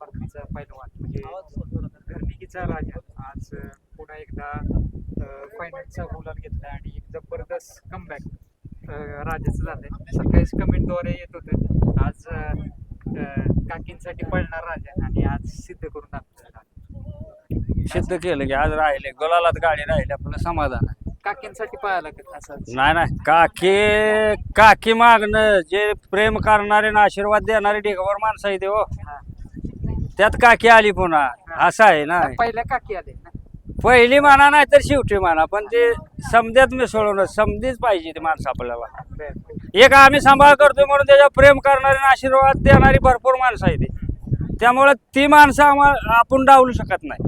परतीचा पैलवान म्हणजे घरणिकीचा राजा आज पुन्हा एकदा फायनलचा गुलाल घेतला आणि एक जबरदस्त कमबॅक राजाचं झालंय. सकाळीच कमेंटद्वारे येत होतं आज काकींसाठी पळणार राजा आणि आज सिद्ध करून दाखवलं. सिद्ध केलं की आज राहिले गुलालात गाडी राहिली आपलं समाधान आहे. काकींसाठी पळायला असं नाही काकी मागणं जे प्रेम करणारे ना आशीर्वाद देणारे ढिगावर माणसं आहे ते हो. त्यात काकी आली पुन्हा असं आहे ना. पहिल्या काकी आले ना. पहिली म्हणा नाही तर शेवटी म्हणा पण ते समध्यात मिसळून समधीच पाहिजे ते माणसं आपल्याला. एक आम्ही सांभाळ करतो म्हणून त्याच्यावर प्रेम करणारे आणि आशीर्वाद देणारी भरपूर माणसं आहे ते. त्यामुळे ती माणसं आम्हाला आपण डावलू शकत नाही.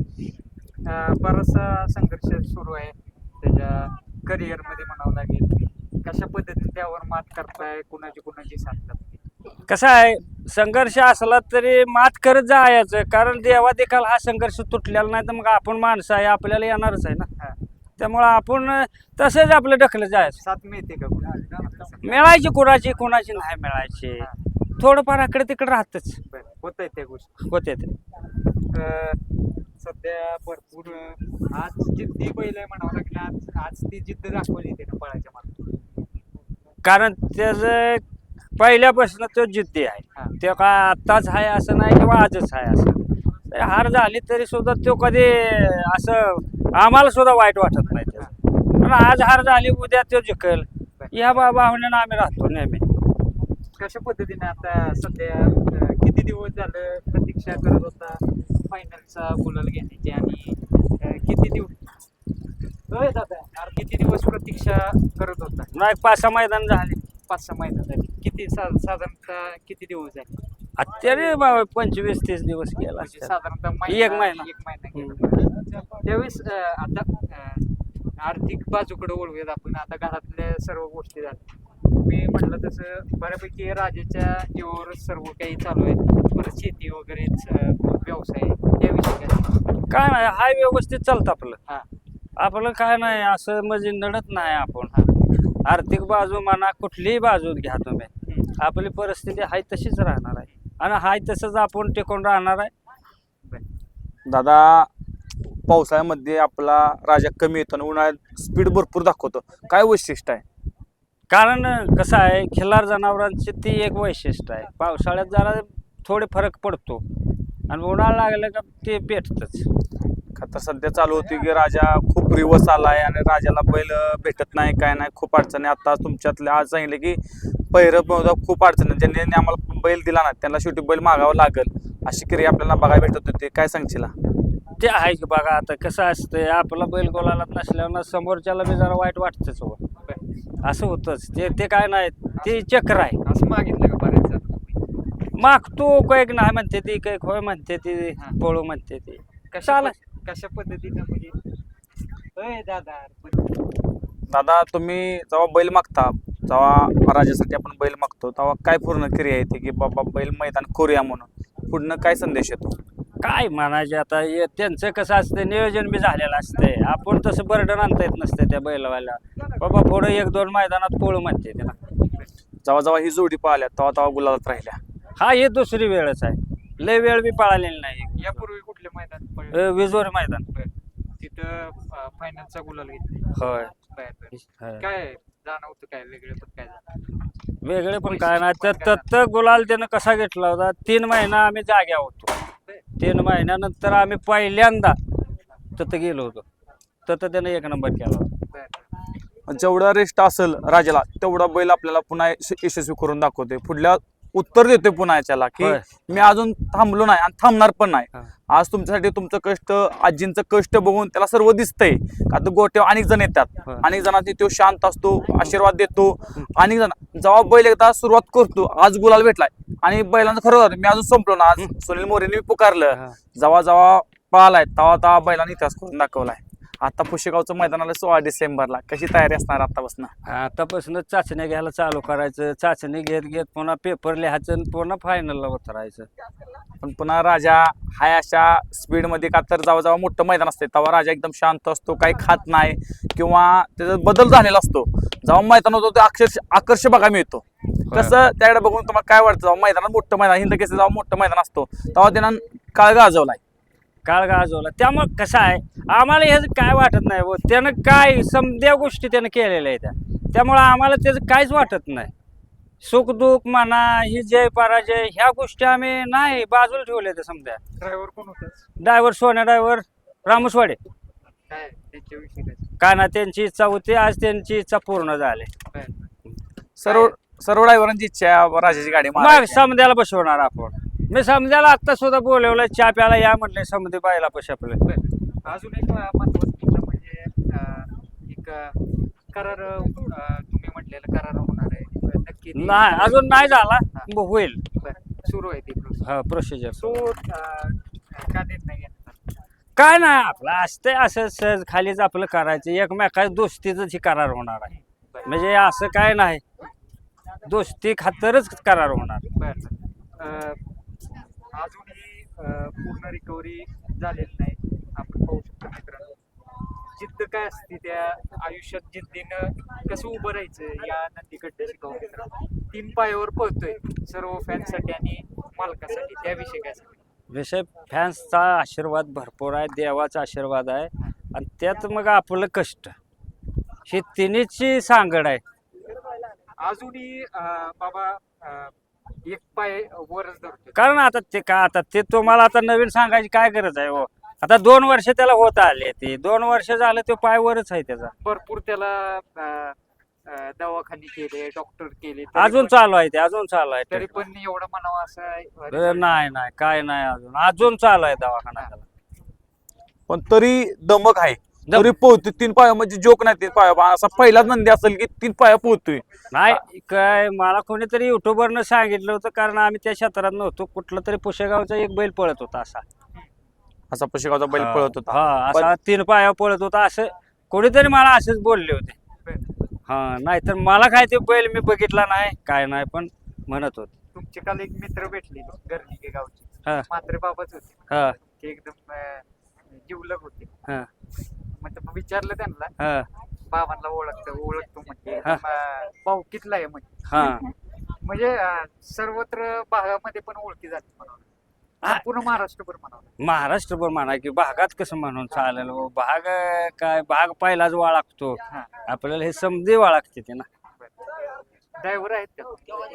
बराचसा संघर्ष सुरू आहे त्याच्या करिअर मध्ये म्हणावं लागेल. कशा पद्धतीने त्यावर मात करताय कुणाची साथ? कसं आहे संघर्ष असला तरी मात करत जायचं कारण देवा देखील हा संघर्ष तुटलेला नाही तर मग आपण माणसं आहे आपल्याला येणारच आहे ना. त्यामुळं आपण तसंच आपलं ढकलत जायचं. साथ मिळते का मिळायची कुणाची नाही मिळायची थोडंफार इकडे तिकडे राहतच होत आहे त्या गोष्टी होते ते. सध्या भरपूर आज जिद्दी बैल आहे म्हणावं लागेल. आज ती जिद्द दाखवली त्यानं पळायच्या मागे कारण त्याचं पहिल्यापासून तो जिद्दी आहे. तो काय आत्ताच आहे असं नाही किंवा आजच आहे असं. हार झाली तरी सुद्धा तो कधी असं आम्हाला सुद्धा वाईट वाटत नाही त्याचं. पण आज हार झाली उद्या तो जिंकल या भावनेनं आम्ही राहतो नेहमी. कशा पद्धतीने आता सध्या किती दिवस झालं प्रतीक्षा करत होता फायनलचा गुलाल घेण्याची आणि किती दिवस प्रतीक्षा करत होता? नाही 5-6 मैदान झाले. 5-6 महिने झाले. किती साधारणतः किती दिवस झाले? तरी 25-30 दिवस गेला म्हणजे साधारणतः एक महिना गेला. त्यावेळेस आता आर्थिक बाजूकडे वळूयात आपण. आता घरातल्या सर्व गोष्टी झाल्या. मी म्हटलं तसं बऱ्यापैकी राजाच्या जीवावर सर्व काही चालू आहे. परत शेती वगैरेच व्यवसाय त्याविषयी काय नाही हाय व्यवस्थित चालतं आपलं. हा आपलं काय नाही असं म्हणजे नडत नाही आपण. आर्थिक बाजू म्हणा कुठलीही बाजू घ्या तुम्ही आपली परिस्थिती हाय तशीच राहणार आहे आणि हाय तसंच आपण टिकून राहणार आहे. दादा पावसाळ्यामध्ये आपला राजा कमी येतो आणि उन्हाळ्यात स्पीड भरपूर दाखवतो. काय वैशिष्ट्य आहे? कारण कसं आहे खिल्लार जनावरांची ती एक वैशिष्ट्य आहे. पावसाळ्यात जरा थोडे फरक पडतो आणि उन्हाळा लागलं का ते पेटतच. तर सध्या चालू होती की राजा खूप रिवर्स आलाय आणि राजाला बैल भेटत नाही काय नाही खूप अडचणी. आता तुमच्यातले आज सांगितले की पहिरं खूप अडचणी ज्यांनी आम्हाला बैल दिला ना त्यांना शेवटी बैल मागावं लागल अशी क्रिया आपल्याला बघायला भेटत होती. काय सांगशील? ते आहे की बघा आता कसं असतंय आपला बैल गोलाला नसल्यानं समोरच्याला बी जरा वाईट वाटतंच हो. असं होतंच ते काय नाही ते चक्र आहे. असं मागितलं का बऱ्याच मागतो कैक नाही म्हणते ती कैक होय म्हणते ती पळू म्हणते ती. कशा पद्धतीनं म्हणजे दादा तुम्ही जेव्हा बैल मागता जेव्हा राजासाठी आपण बैल मागतो तेव्हा काय पूर्ण क्रिया येते की बाबा बैल मैदान करूया म्हणून पुढनं काय संदेश येतो? काय म्हणायचे आता त्यांचं कसं असतं नियोजन बी झालेलं असतंय. आपण तसं बर्डन आणता येत नसतं त्या बैलवाला बाबा पुढं 1-2 मैदानात पळू म्हणते ते ना. जेव्हा जेव्हा ही जोडी पाहिल्या तेव्हा तेव्हा गुलालात राहिल्या. हा ही दुसरी वेळच आहे. लय वेळ बी पळालेली नाही. यापूर्वी कुठले मैदान? विजोर मैदान तिथं फायनलचा गुलाल घेतला. होय. काय जाणवतं काय वेगळे पण काय जाणवतं? वेगळे पण काय नाही तर गुलाल त्यानं कसा घेतला होता 3 महिना आम्ही जाग्या होतो. 3 महिन्यानंतर आम्ही पहिल्यांदा तिथं गेलो होतो. तर त्यानं 1 नंबर केला होता. जेवढा रेस्ट असेल राजाला तेवढा बैल आपल्याला पुन्हा यशस्वी करून दाखवते. पुढल्या उत्तर देतोय पुन्हा याच्याला की मी अजून थांबलो नाही आणि थांबणार पण नाही. आज तुमच्यासाठी तुमचं कष्ट आजींचं कष्ट बघून त्याला सर्व दिसतंय. आता गोट्यावर अनेक जण येतात अनेक जणांनी तो शांत असतो आशीर्वाद देतो. अनेक जण जेव्हा बैल एकदा सुरुवात करतो आज गुलाल भेटलाय आणि बैलांचं खरं मी अजून संपलो ना. आज सुनील मोरेने पुकारलं जेव्हा जेव्हा पळालाय तेव्हा तेव्हा बैलांनी इतिहास करून दाखवलाय. आता पुशेगावचं मैदान आलं 16 डिसेंबरला, कशी तयारी असणार आतापासून? आतापासूनच चाचण्या घ्यायला चालू करायचं, चाचणी घेत घेत पुन्हा पेपर लिहायचं आणि पुन्हा फायनलला उतरायचं. पण पुन्हा राजा हाय अशा स्पीडमध्ये का तर जेव्हा मोठं मैदान असते तेव्हा राजा एकदम शांत असतो, काही खात नाही किंवा त्याचा बदल झालेला असतो. जेव्हा मैदान होतो ते आकर्ष बघा मिळतो. कसं त्याकडे बघून तुम्हाला काय वाटतं? जेव्हा मैदानात मोठं मैदान, हिंद केसरी जेव्हा मोठं मैदान असतो तेव्हा त्यानं काळ गाजवलाय, काळ गाजवला. त्यामुळे कसं आहे, आम्हाला ह्याचं काय वाटत नाही व त्यानं काय समद्या गोष्टी त्यानं केलेल्या आहेत, त्यामुळं आम्हाला त्याचं काहीच वाटत नाही. सुखदुःख म्हणा, ही जय पराजय ह्या गोष्टी आम्ही नाही बाजूला ठेवल्या त्या समजा. ड्रायव्हर कोण होता? ड्रायव्हर सोन्या ड्रायव्हर रामसवाडे. काय त्यांच्याविषयी काय? काय ना, त्यांची इच्छा होती, आज त्यांची इच्छा पूर्ण झाली. सर्व ड्रायव्हरांची इच्छा आहे राजाची गाडी मग मारायची. समद्याला बसवणार आपण. मी समद्याला आत्ता सुद्धा बोलवलं, चहा प्याला या म्हटले, समधी बायला पैसे आपले. अजून एक महत्वाचं मुद्दा म्हणजे एक करार तुम्ही म्हटलेलं करार होणार आहे नक्की ते- नाही, अजून नाही झाला, होईल. सुरू आहे ती process. हा, प्रोसिजर. तो का देत नाही यांना? काय नाही, आपलं असतंय असं सहज खालीच आपलं करायचं, एकमेकाच्या दोस्तीच करार होणार आहे. म्हणजे असं काय नाही, दोस्ती खातरच करार होणार. बरं. अजूनही पूर्ण रिकव्हरी झालेली नाही. आपण पाहू शकतो मित्रांनो, जिद्द काय असते त्या आयुष्यात, जिद्दीनं कसं उभं राहायचं या नंदीकडे शिकावं मित्रांनो. 3 पायावर पळतोय सर्व फॅनसाठी आणि मालकासाठी, त्याविषयी काय सांगू? विषय फॅन्सचा आशीर्वाद भरपूर आहे, देवाचा आशीर्वाद आहे, आणि त्यात मग आपलं कष्ट, ही तिन्हीची सांगड आहे. अजूनही बाबा एक पाय वरच धरतोय. कारण आता ते तुम्हाला आता नवीन सांगायची काय गरज आहे हो. आता 2 वर्ष त्याला होत आले, ते 2 वर्ष झालं ते पायवरच आहे त्याचा. भरपूर त्याला दवाखाने केले, डॉक्टर केले, तरी अजून पण- चालू आहे ते, अजून चालू आहे तरी ते. पण एवढं म्हणावं असं नाही काय नाही, अजून चालू आहे दवाखाना त्याला. पण तरी दमक आहे, तरी पोहतोय 3 पाया, म्हणजे जोक नाही 3 पाया. असा पहिलाच नंदी असेल की 3 पाया पोहतोय. नाही काय, मला कोणीतरी युट्यूबरनं सांगितलं होतं, कारण आम्ही त्या क्षेत्रात नव्हतो. कुठलं तरी पुशेगावचा एक बैल पळत होता असा पुशेगावचा बैल पळत होता. हा, असा 3 पाया पळत होता असं कोणीतरी मला असंच बोलले होते. हा, नाहीतर मला काय ते बैल मी बघितला नाही, काय नाही, पण म्हणत होते. तुमचे काल एक मित्र भेटले गर्णिके गावचे, हा. मात्रे बाबाच होते. हा, ते एकदम जिवलग होते. हा, मग विचारलं त्यांना, हा, बाबांना ओळखतो म्हणजे हा. भाऊकीतला आहे म्हणजे. हा. म्हणजे सर्वत्र भागामध्ये पण ओळखी झाली म्हणावं, पूर्ण महाराष्ट्रभर म्हणावं. महाराष्ट्रभर म्हणा की भागात कसं म्हणून चालेल हो. भाग काय, भाग पहिलाच वाळगतो हा. आपल्याला, हे समजे वाळगते ते ना. ड्रायव्हर आहेत का?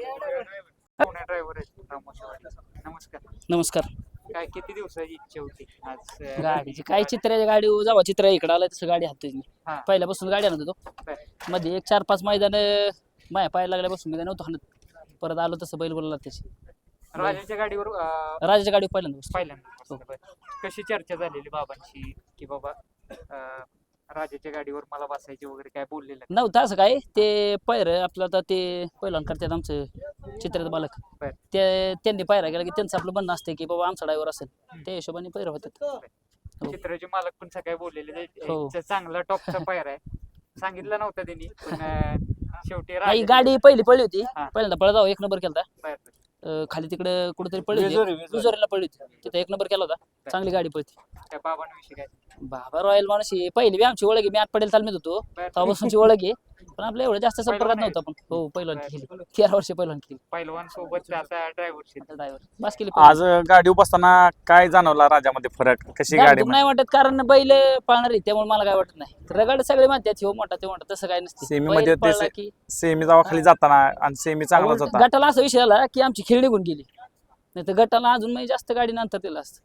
ड्रायव्हर आहेत रामोशीवाडीचे. नमस्कार. नमस्कार. काय किती दिवसाची इच्छा होती आज गाडीची काय, चित्राच्या गाडी जेव्हा चित्र इकडे आलं तसं गाडी हातोय मी. हा. पहिल्यापासून गाडी आणत होतो. बरं. मध्ये एक 4-5 मैदान माया पायाला लागल्यापासून मी नव्हतो हाणत. परत आलो तसं बैल बोलला त्याची राजाच्या गाडीवर राजाच्या गाडी पहिल्यांदा बसलो. पहिल्यांदा बसला. कशी चर्चा झालेली बाबांशी की बाबा राजाच्या गाडीवर मला बसायची वगैरे, काय बोललेलं? नव्हतं असं काय, ते पैर आपलं आता ते पहिलं करतात आमचं चित्रात बालक, बरं. ते त्यांनी पायरा गेला की त्यांचं आपलं म्हणणं असतं की बाबा आमचा ड्रायव्हर असेल, त्या हिशोबाने पैर होतात. हो. चित्राचे मालक पण सकाळी बोललेले हो. चांगला टॉपचा पायर आहे, सांगितलं नव्हतं त्यांनी, पण शेवटी आई राजा- गाडी पहिली पडली होती, हा. पहिल्यांदा पळत जाऊ 1 नंबर केला बरं. खाली तिकडे कुठेतरी पडली विजोरी, होती, विजोरी. विजोरीला पडली होती, तिथे 1 नंबर केला होता. चांगली गाडी पळती. त्या बाबांविषयी काय? बाबा रॉयल माणूस आहे. पहिली बी आमची ओळख आहे, मी आत पडेल तालमीत होतो बरं. तेव्हापासूनची ओळख आहे, पण आपलं एवढं जास्त संपर्कात पहिलवान नव्हतं. पण हो, पहिलवान बरं. केली 13 वर्ष पहिलवान केली. पहिलवान सोबत आता ड्रायव्हर ड्रायव्हर बस केली. आज गाडी बसताना काय जाणवला राजामध्ये फरक? कशी गाडी नाही वाटत, कारण बैल पाळणार आहे त्यामुळे मला काय वाटत नाही. रगाड सगळे म्हणतात हो मोठा ते मोठा, तसं काय नसते. सेमीमध्ये बैल ते पळला की सेमी जावा खाली जाताना आणि सेमी चांगलाच होता. गटाला असा विषय आला की आमची खेळ निघून गेली, नाही तर गटाला अजून म्हणजे जास्त गाडी नंतर दिला असतं,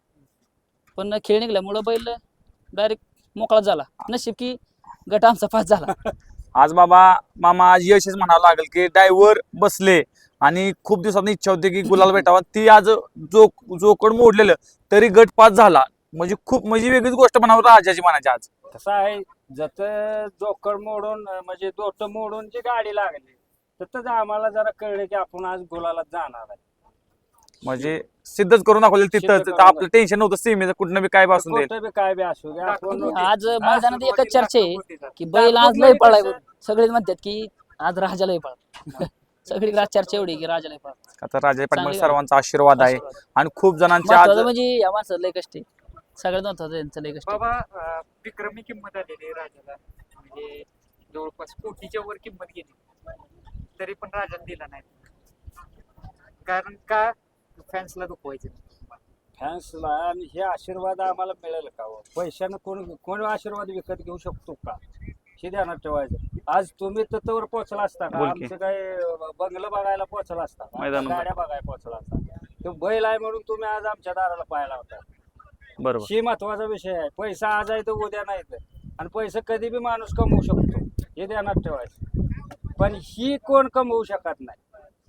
पण खेळ निघल्यामुळं बैल डायरेक्ट मोकळा झाला. नशीब की गट आमचा पास झाला. आज मामा आज यशच म्हणावं लागेल की ड्रायव्हर बसले आणि खूप दिवसांनी इच्छा होती की गुलाल भेटावा, ती आज जोकड मोडलेलं तरी गट पास झाला, म्हणजे खूप म्हणजे वेगळीच गोष्ट म्हणावं राजाची म्हणायची आज. कसं आहे, जत जोकड मोडून म्हणजे दोट मोडून जी गाडी लागली, तर आम्हाला जरा कळलं की आपण आज गुलाला जाणार आहे. म्हणजे सिद्धच करून दाखवलं सिद्ध तिथं करून आपलं टेन्शन नव्हतं सीमेचं कुठनं बी काय बी असू दे. कुठं बी काय बी असू दे आपण आज मैदानात एकच चर्चा आहे दाखवत की बैल आज दाखवत लय नाही पळाय तसं. सगळेच म्हणतात की आज राजा लय पळा सगळी आज चर्चा एवढी की राजा लय पळा आता राजा पाटील चांगली सर्वांचा आशीर्वाद आहे आशीर्वाद. आणि खूप जणांच्या आज महत्वाचं म्हणजे या माणसाचं लय कष्ट आहे सगळ्यात महत्वाचं यांचं लय कष्ट आहे. बाबा विक्रमी किंमत आलेली आहे राजाला म्हणजे जवळपास कोटीच्या वर किंमत गेली तरी पण राजाला दिला नाही कारण का फॅन्सला दुखवायचं फॅन्सला आणि हे आशीर्वाद आम्हाला मिळेल का हो? पैशानं कोण आशीर्वाद विकत घेऊ शकतो का हे ध्यानात ठेवायचं. आज तुम्ही तत्वर पोहोचला असता का बोल की. आमचं काय बंगलं बघायला पोहोचला असता का? मैदान गाड्या बघायला पोहोचला असता तो बैल आहे म्हणून तुम्ही आज आमच्या दाराला पाहायला होता. बरोबर ही महत्वाचा विषय आहे. पैसा आज आहे तर उद्या नाही तर आणि पैसा कधी बी माणूस कमवू शकतो हे ध्यानात ठेवायचं. पण ही कोण कमवू शकत नाही.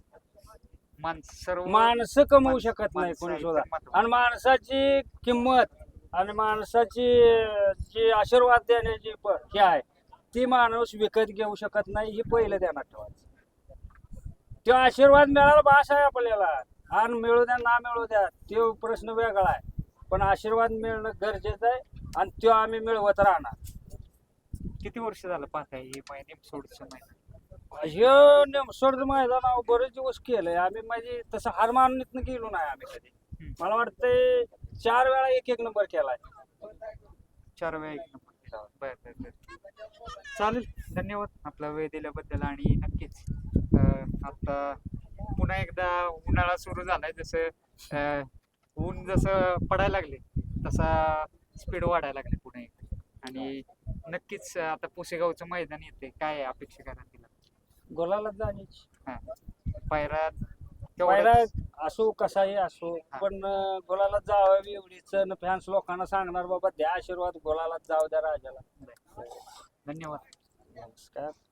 सर्व माणसं कमवू शकत नाही माणसं कोणी आहेत सुद्धा. तर महत्त्वाचं. आणि माणसाची किंमत आणि माणसाची जी आशीर्वाद देण्याची हे आहे ती माणूस विकत घेऊ शकत नाही हे पहिलं ध्यानात ठेवायचं. तो आशीर्वाद मिळाला भास आहे आपल्याला आणि मिळू द्या ना मिळू द्या तो प्रश्न वेगळा आहे पण आशीर्वाद मिळणं गरजेचं आहे आणि तो आम्ही मिळवत राहणार. किती वर्ष झालं पाहताय हे नेम सोडचं मैदान हे नेमसोड मैदान बरेच दिवस केलंय आम्ही म्हणजे तसं हार मानून गेलो नाही आम्ही कधी. मला वाटतंय 4 वेळा एक नंबर केलाय. 4 वेळा 1 नंबर केला. बर चालेल धन्यवाद आपला वेळ दिल्याबद्दल आणि नक्कीच आता पुन्हा एकदा उन्हाळा सुरू झालाय जसं ऊन जसं पडायला लागले तसा स्पीड वाढायला लागले पुन्हा एकदा आणि नक्कीच आता पुसेगावचं मैदान येते काय आहे अपेक्षा करा तिला गोलाला जाण्याची पायरात पहिला असो कसाही असो पण गोलाला जावावी एवढीच फॅन्स लोकांना सांगणार बाबा द्या आशीर्वाद गोलाला जाऊ द्या राजाला. धन्यवाद नमस्कार.